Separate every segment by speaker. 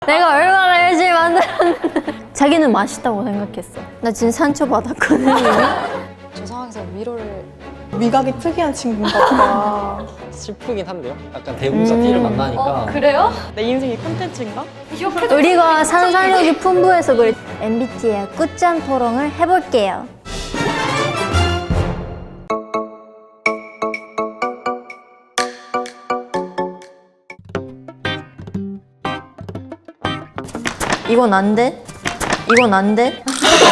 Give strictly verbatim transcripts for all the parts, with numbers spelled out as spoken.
Speaker 1: 내가 얼마나 열심히 만들었는데. 자기는 맛있다고 생각했어. 나 지금 상처받았거든.
Speaker 2: 저 상황에서 위로를
Speaker 3: 미각이 특이한 친구인가 보다.
Speaker 4: 슬프긴 한데요? 약간 대문자
Speaker 1: 음.
Speaker 4: T를 만나니까
Speaker 2: 어 그래요?
Speaker 3: 내 인생이 콘텐츠인가?
Speaker 1: 우리가 상상력이 풍부해서 그래. 엠비티아이 꿀잠 토론을 해볼게요. 이건 안 돼? 이건 안 돼?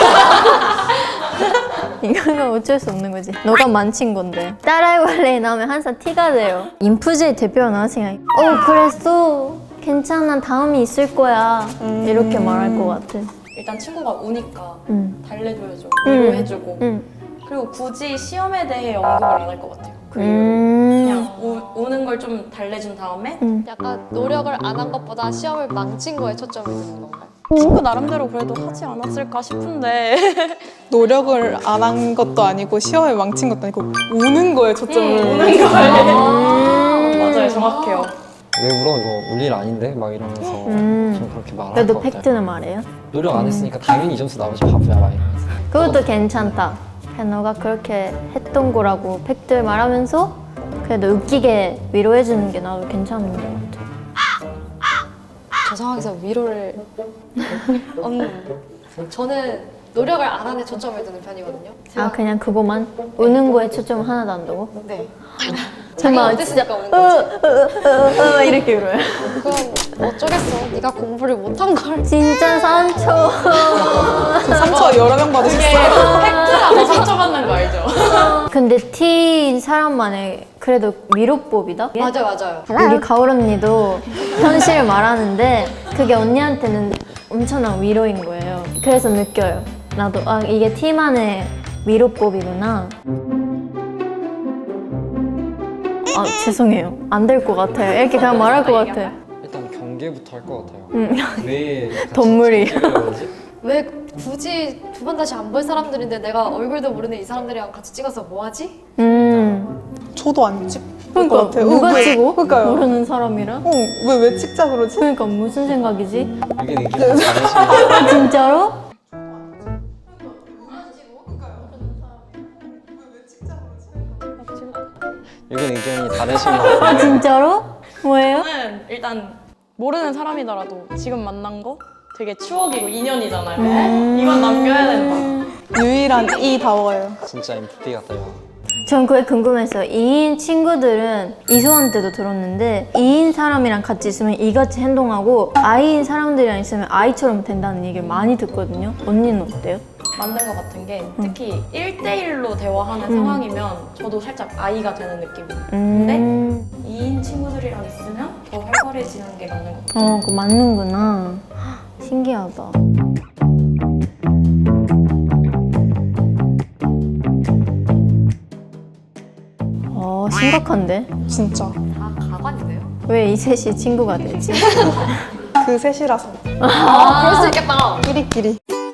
Speaker 1: 이거는 어쩔 수 없는 거지. 너가 만친 건데. 따라해볼래 나오면 항상 티가 돼요. 인프제 대표 나왔으니까 어 그랬어. 괜찮아 다음이 있을 거야.
Speaker 3: 음.
Speaker 1: 이렇게 말할 것 같아.
Speaker 5: 일단 친구가 우니까
Speaker 1: 응.
Speaker 5: 달래줘야죠.
Speaker 1: 음.
Speaker 5: 위로해주고.
Speaker 1: 응.
Speaker 5: 그리고 굳이 시험에 대해 언급을 안 할 것 같아요. 그 이후로.
Speaker 1: 음.
Speaker 5: 그냥 우, 우는 걸 좀 달래준 다음에
Speaker 2: 약간 노력을 안 한 것보다 시험을 망친 거에 초점을 두는 건가요?
Speaker 3: 친구 나름대로 그래도 하지 않았을까 싶은데 노력을 안 한 것도 아니고 시험을 망친 것도 아니고 우는 거에 초점을
Speaker 5: 우는 거에. 맞아요, 정확해요.
Speaker 4: 왜 울어? 이거 울 일 아닌데? 막 이러면서
Speaker 1: 음.
Speaker 4: 좀 그렇게 말할
Speaker 1: 그래도
Speaker 4: 것 같아요.
Speaker 1: 팩트는 말해요.
Speaker 4: 노력 안 했으니까 당연히 이 점수 나오지 바보야 막 이러면서.
Speaker 1: 그것도 괜찮다. 그냥 너가 그렇게 했던 거라고 팩트 말하면서 그래도 웃기게 위로해주는 게 나도 괜찮은 것 같아.
Speaker 2: 저 상황에서 위로를 음, 저는 노력을 안 하는 초점을 두는 편이거든요.
Speaker 1: 아 그냥 그거만? 우는 거에 초점 하나도 안 두고?
Speaker 2: 네.
Speaker 1: 정말
Speaker 2: 어땠으니까 우는
Speaker 1: 어,
Speaker 2: 거지.
Speaker 1: 어, 어, 어, 이렇게 울어요.
Speaker 2: 그럼 어쩌겠어. 네가 공부를 못한 걸.
Speaker 1: 진짜 상처.
Speaker 3: 상처 여러 명 받으셨어요?
Speaker 5: 팩트라고 상처받는 거 알죠?
Speaker 1: 근데 T인 사람만의 그래도 위로법이다?
Speaker 2: 맞아 맞아요.
Speaker 1: 우리 가을 언니도 현실을 말하는데 그게 언니한테는 엄청난 위로인 거예요. 그래서 느껴요. 나도 아 이게 T만의 위로법이구나. 아 죄송해요. 안 될 것 같아요. 이렇게 그냥 말할 것 같아.
Speaker 4: 일단 경계부터 할 것 같아요.
Speaker 1: 음.
Speaker 4: 왜 같이
Speaker 1: 덤물이.
Speaker 4: 찍으려지?
Speaker 2: 왜 굳이 두 번 다시 안 볼 사람들인데 내가 얼굴도 모르는 이 사람들이랑 같이 찍어서 뭐 하지?
Speaker 1: 음.
Speaker 3: 저도 안 찍을
Speaker 1: 그러니까
Speaker 3: 것 같아요.
Speaker 1: 누가
Speaker 3: 어, 왜-
Speaker 1: 찍어?
Speaker 3: 그러니까요.
Speaker 1: 모르는 사람이랑?
Speaker 3: 어, 왜, 왜 찍자 그러지?
Speaker 1: 그러니까 무슨 생각이지?
Speaker 4: 여기 의견이 다르신
Speaker 1: 아, 진짜로?
Speaker 4: 여기 의견이 다르신 것
Speaker 1: 아
Speaker 4: 같아요.
Speaker 1: 진짜로? 뭐예요?
Speaker 5: 저는 일단 모르는 사람이더라도 지금 만난 거 되게 추억이고 인연이잖아요.
Speaker 1: 음.
Speaker 5: 이건 남겨야 된다.
Speaker 3: 유일한 이다워요.
Speaker 4: 진짜 엠프피 같아요.
Speaker 1: 전 그게 궁금했어요. 이인 친구들은 이소한 때도 들었는데 이인 사람이랑 같이 있으면 이같이 행동하고 아이인 사람들이랑 있으면 아이처럼 된다는 얘기를 많이 듣거든요. 언니는 어때요?
Speaker 5: 맞는 것 같은 게 특히 일 대일로 대화하는
Speaker 1: 음.
Speaker 5: 상황이면 저도 살짝 아이가 되는 느낌이에요.
Speaker 1: 음.
Speaker 5: 이인 친구들이랑 있으면 더 활발해지는 게 맞는 것 같아요.
Speaker 1: 어, 그거 맞는구나. 헉, 신기하다. 어, 심각한데?
Speaker 3: 진짜.
Speaker 2: 다 가관이네요.
Speaker 1: 왜 이 셋이 친구가 되지?
Speaker 3: 그 셋이라서.
Speaker 2: 아, 그럴 수 있겠다.
Speaker 3: 끼리끼리.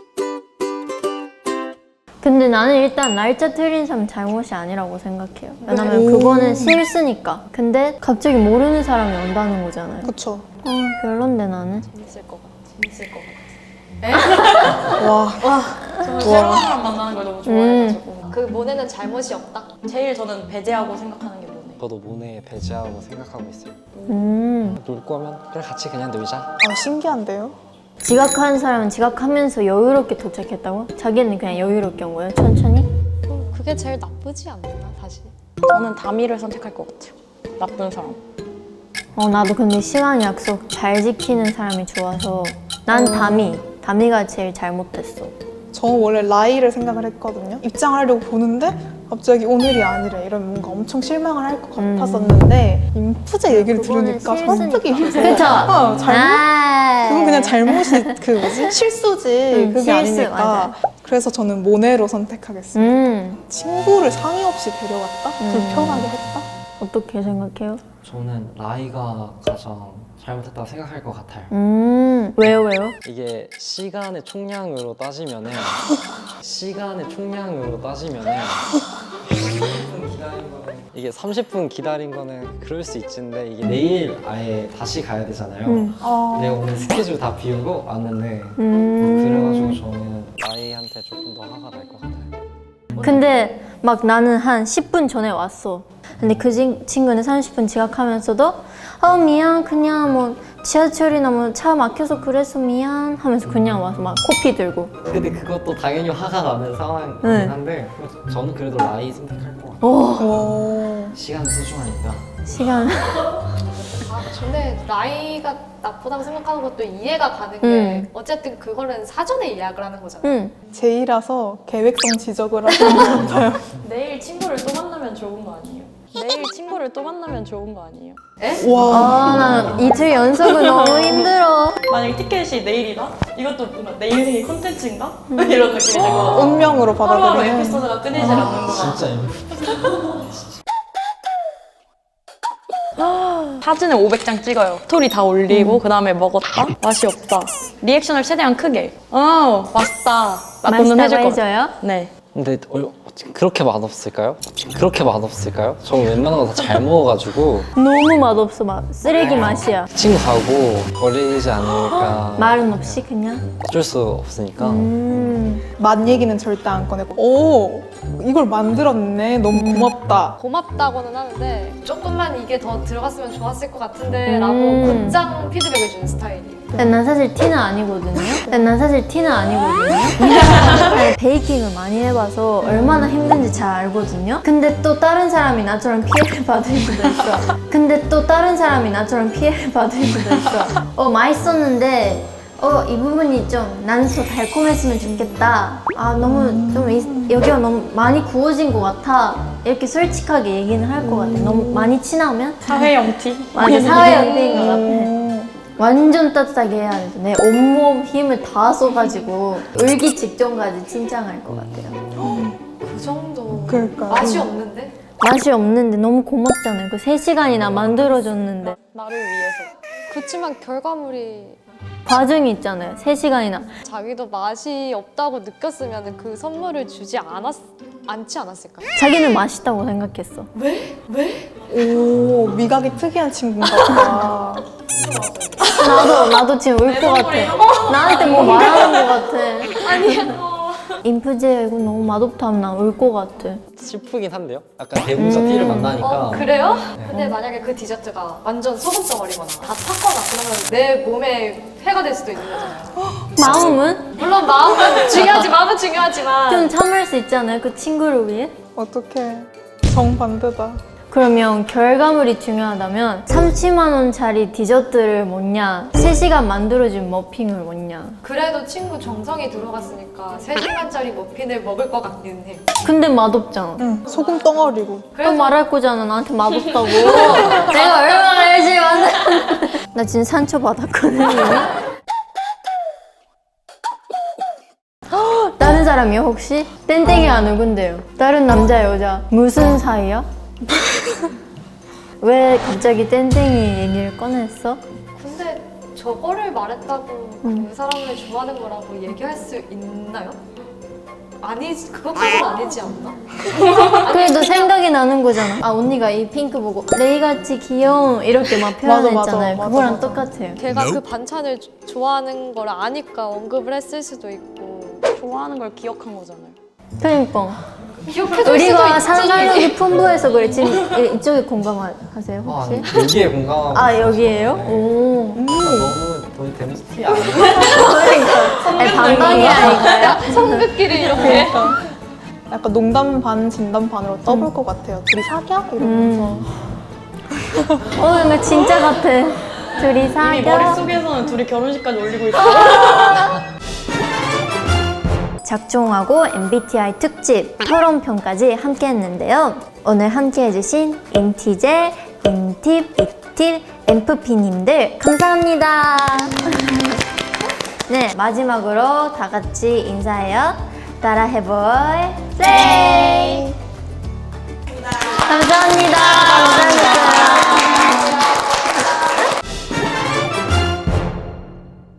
Speaker 1: 근데 나는 일단 날짜 틀린 사람 잘못이 아니라고 생각해요. 왜냐면
Speaker 3: 오.
Speaker 1: 그거는 실수니까. 근데 갑자기 모르는 사람이 온다는 거잖아요.
Speaker 3: 그쵸.
Speaker 1: 어, 별론데 나는.
Speaker 2: 재밌을 것 같아.
Speaker 5: 재밌을 것 같아요.
Speaker 3: 와.
Speaker 5: 저는 새로운 사람 만나는 걸 너무 좋아해가지고
Speaker 2: 그 모네는 잘못이 없다.
Speaker 5: 제일 저는 배제하고 생각하는 게 뭐네.
Speaker 4: 저도 모네에 배제하고 생각하고 있어요.
Speaker 1: 음.
Speaker 4: 놀 거면 그래 같이 그냥 놀자.
Speaker 3: 아, 신기한데요?
Speaker 1: 지각하는 사람은 지각하면서 여유롭게 도착했다고? 자기는 그냥 여유롭게 온 거예요? 천천히?
Speaker 2: 어, 그게 제일 나쁘지 않나 사실.
Speaker 5: 저는 다미를 선택할 것 같아요. 나쁜 사람.
Speaker 1: 어, 나도 근데 시간 약속 잘 지키는 사람이 좋아서 난 다미. 다미가 제일 잘못됐어.
Speaker 3: 저 원래 라이를 생각을 했거든요. 입장하려고 보는데 갑자기 오늘이 아니래 이러면 뭔가 엄청 실망을 할 것
Speaker 1: 음.
Speaker 3: 같았었는데 인프제 얘기를
Speaker 1: 그거는
Speaker 3: 들으니까
Speaker 1: 실수니까.
Speaker 3: 설득이
Speaker 1: 그쵸?
Speaker 3: 어, 잘못?
Speaker 1: 아~
Speaker 3: 그건 그냥 잘못이 그 뭐지? 실수지
Speaker 1: 음,
Speaker 3: 그게
Speaker 1: 실수,
Speaker 3: 아니니까
Speaker 1: 맞아요.
Speaker 3: 그래서 저는 모네로 선택하겠습니다.
Speaker 1: 음.
Speaker 3: 친구를 상의 없이 데려갔다?
Speaker 1: 음.
Speaker 3: 불편하게 했다?
Speaker 1: 어떻게 생각해요?
Speaker 4: 저는 라이가 가장 잘못했다고 생각할 것 같아요.
Speaker 1: 음. 왜요, 왜요?
Speaker 4: 이게 시간의 총량으로 따지면은 시간의 총량으로 따지면은 이게 삼십 분 기다린 거는 그럴 수 있는데 이게 내일 아예 다시 가야 되잖아요.
Speaker 1: 음.
Speaker 3: 어.
Speaker 4: 내가 오늘 스케줄 다 비우고 왔는데
Speaker 1: 음.
Speaker 4: 그래가지고 저는 나이한테 조금 더 화가 날 것 같아요.
Speaker 1: 근데 막 나는 한 십 분 전에 왔어. 근데 그 친- 친구는 삼십 분 지각하면서도 어 미안 그냥 뭐 지하철이나 뭐 차 막혀서 그래서 미안 하면서 그냥 와서 막 코피 들고.
Speaker 4: 근데 그것도 당연히 화가 나는 상황이긴
Speaker 1: 네.
Speaker 4: 한데 저는 그래도 나이 선택할 것 같아요.
Speaker 1: 오
Speaker 3: 오.
Speaker 4: 시간은 소중하니까.
Speaker 1: 시간.
Speaker 2: 아, 근데 나이가 나쁘다고 생각하는 것도 이해가 가는 게
Speaker 1: 음.
Speaker 2: 어쨌든 그거는 사전에 예약을 하는 거잖아요.
Speaker 1: 응.
Speaker 3: 제이라서 계획성 지적을 하시는 것 같아요.
Speaker 5: 내일 친구를 또 만나면 좋은 거 아니에요? 내일 친구를 또 만나면 좋은 거 아니에요?
Speaker 2: 에?
Speaker 3: 와.
Speaker 1: 아나 이틀 연속은 너무 힘들어.
Speaker 5: 만약에 티켓이 내일이다? 이것도 뭔가 내일 생일 콘텐츠인가? 이런 느낌이 들고
Speaker 3: 운명으로
Speaker 5: 하루하루
Speaker 3: 받아들이는.
Speaker 5: 에피소드가 끊이질 않는구나.
Speaker 4: 진짜 이거
Speaker 5: 사진을 오백 장 찍어요. 스토리 다 올리고 그 다음에 먹었다? 맛이 없다. 리액션을 최대한 크게. 어 맛있다. 라고는 해줄
Speaker 1: 맛있다고
Speaker 5: 것 같아요.
Speaker 1: 해줘요?
Speaker 5: 네.
Speaker 4: 근데 어, 그렇게 맛없을까요? 그렇게 맛없을까요? 저는 웬만한 거 다 잘 먹어가지고
Speaker 1: 너무 맛없어 막 쓰레기 맛이야.
Speaker 4: 친구 가고 걸리지 않으니까
Speaker 1: 말은 없이 그냥.
Speaker 4: 어쩔 수 없으니까
Speaker 1: 음.
Speaker 3: 맛 얘기는 절대 안 꺼내고. 오, 이걸 만들었네. 너무 고맙다.
Speaker 2: 고맙다고는 하는데 조금만 이게 더 들어갔으면 좋았을 것 같은데 라고
Speaker 1: 음.
Speaker 2: 곧장 피드백을 주는 스타일이에요.
Speaker 1: 근데 난 사실 티는 아니거든요. 근데 난 사실 티는 아니거든요. 아니, 베이킹을 많이 해봐서 얼마나 힘든지 잘 알거든요. 근데 또 다른 사람이 나처럼 피해를 받을 수도 있어. 근데 또 다른 사람이 나처럼 피해를 받을 수도 있어. 어 맛있었는데 어 이 부분이 좀 나는 더 달콤했으면 좋겠다. 아 너무 좀 이- 여기가 너무 많이 구워진 것 같아. 이렇게 솔직하게 얘기는 할 것 같아. 너무 많이 친하면
Speaker 5: 사회형 티?
Speaker 1: 맞아 사회형 티인 것 같아.
Speaker 3: 음.
Speaker 1: 완전 따뜻하게 해야 돼. 내 온몸 힘을 다 써가지고 울기 직전까지 칭찬할 것 같아요.
Speaker 2: 그 정도
Speaker 3: 그러니까요.
Speaker 2: 맛이 없는데?
Speaker 1: 맛이 없는데 너무 고맙잖아요. 그 세 시간이나 만들어줬는데.
Speaker 5: 나를 위해서.
Speaker 2: 그렇지만 결과물이
Speaker 1: 과정이 있잖아요. 세 시간이나.
Speaker 2: 자기도 맛이 없다고 느꼈으면 그 선물을 주지 않았, 않지 않았을까요?
Speaker 1: 자기는 맛있다고 생각했어.
Speaker 2: 왜? 왜?
Speaker 3: 오, 미각이 특이한 친구인가 보다.
Speaker 1: 나도, 나도 지금 울 것 같아. 나한테 뭐 말하는 것 같아.
Speaker 2: 아니야.
Speaker 1: 인프제 이거 너무 맛없다 하면 난 울 것 같아.
Speaker 4: 슬프긴 한데요? 약간 대문자 T를 만나니까
Speaker 2: 어, 그래요? 근데 만약에 그 디저트가 완전 소금 덩어리거나 다 탔거나 그러면 내 몸에 해가 될 수도 있는 거잖아요.
Speaker 1: 마음은?
Speaker 2: 물론 마음은 중요하지, 마음은 중요하지만
Speaker 1: 좀 참을 수 있잖아요. 그 친구를 위해.
Speaker 3: 어떡해. 정반대다.
Speaker 1: 그러면 결과물이 중요하다면 삼십만 원짜리 디저트를 먹냐 세 시간 만들어준 머핀을 먹냐.
Speaker 2: 그래도 친구 정성이 들어갔으니까 세 시간짜리 머핀을 먹을 것 같기는 해.
Speaker 1: 근데 맛없잖아.
Speaker 3: 응, 소금 덩어리고.
Speaker 1: 또 말할 거잖아. 나한테 맛없다고. 내가 얼마나 열심히 만들었는데. 나 지금 상처받았거든. 이미. 헉, 다른 사람이요 혹시? 땡땡이가 누군데요? 다른 남자 여자 무슨 사이야? 왜 갑자기 땡땡이 얘기를 꺼냈어?
Speaker 2: 근데 저거를 말했다고 그 사람을 좋아하는 거라고 얘기할 수 있나요? 아니, 그것까지는 아니지 않나?
Speaker 1: 그래도 생각이 나는 거잖아. 아 언니가 이 핑크 보고 레이같이 귀여움 이렇게 막
Speaker 3: 맞아, 맞아,
Speaker 1: 표현했잖아요.
Speaker 3: 맞아,
Speaker 1: 그거랑
Speaker 3: 맞아.
Speaker 1: 똑같아요.
Speaker 2: 걔가 그 반찬을 조- 좋아하는 걸 아니까 언급을 했을 수도 있고
Speaker 5: 좋아하는 걸 기억한 거잖아요.
Speaker 1: 그러니까
Speaker 2: 기억해줄 수도
Speaker 1: 우리가
Speaker 2: 있지.
Speaker 1: 상상력이 풍부해서 그래. 지금 이- 이쪽에 공감하세요
Speaker 4: 아,
Speaker 1: 혹시?
Speaker 4: 아니, 여기에 공감하고
Speaker 1: 아
Speaker 4: 있어요.
Speaker 1: 여기에요? 오.
Speaker 4: 아, 너무 거의 대문자 T 아니에요?
Speaker 1: 그러니까 아니, 반방이라니까요.
Speaker 2: 성급끼리 이렇게
Speaker 3: 그러니까. 약간 농담 반, 진담 반으로 떠볼 것 같아요. 둘이 사겨? 이러면서.
Speaker 1: 어 이거 진짜 같아. 둘이
Speaker 5: 이미
Speaker 1: 사겨.
Speaker 5: 머릿속에서는 둘이 결혼식까지 올리고 있어요.
Speaker 1: 작종하고 엠비티아이 특집 토론편까지 함께 했는데요. 오늘 함께 해주신 인티제, 인팁, 이틸, 엠프피님들 감사합니다. 네, 마지막으로 다 같이 인사해요. 따라 해볼 플레이! 감사합니다. 감사합니다.